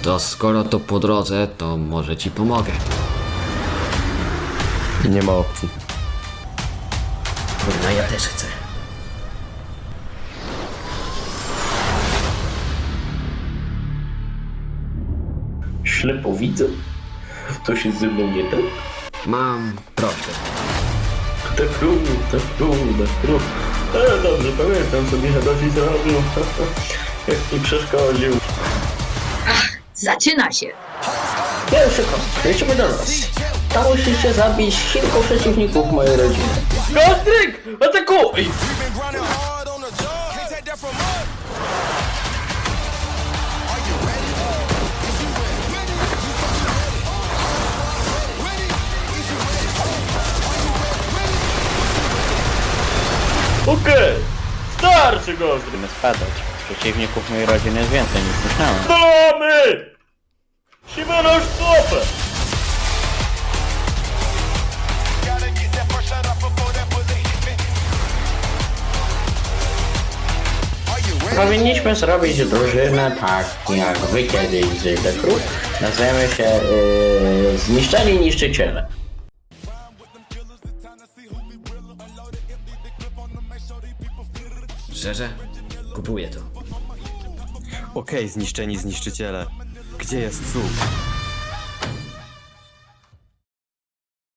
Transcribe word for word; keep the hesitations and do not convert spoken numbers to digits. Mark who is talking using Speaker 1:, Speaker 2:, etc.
Speaker 1: To skoro to po drodze, to może ci pomogę.
Speaker 2: Nie ma opcji.
Speaker 1: Kurwa, ja też chcę.
Speaker 3: Ślepo widzę. To się ze mną nie tak?
Speaker 1: Mam prośbę.
Speaker 3: Te próby, te próby, te próby. E, dobrze, pamiętam co mi Hadosi zrobił. Jak mi przeszkodził.
Speaker 4: Zaczyna się.
Speaker 3: Pierwszy kąt, lecimy do nas. Tam musicie zabić kilku przeciwników mojej rodziny. Gostryk! Atakuj! Okej! Okay. Starczy Gostryk!
Speaker 5: Będziemy spadać. Przeciwników mojej rodziny jest więcej niż myślałem.
Speaker 3: Dolamy! Siwy nasz stopę! Powinniśmy zrobić drużynę tak jak wy kiedyś z The Crew. Nazwiemy się yy, Zniszczeni Niszczyciele.
Speaker 1: Szczerze? Kupuję to.
Speaker 2: Okej, zniszczeni zniszczyciele. Gdzie jest cud?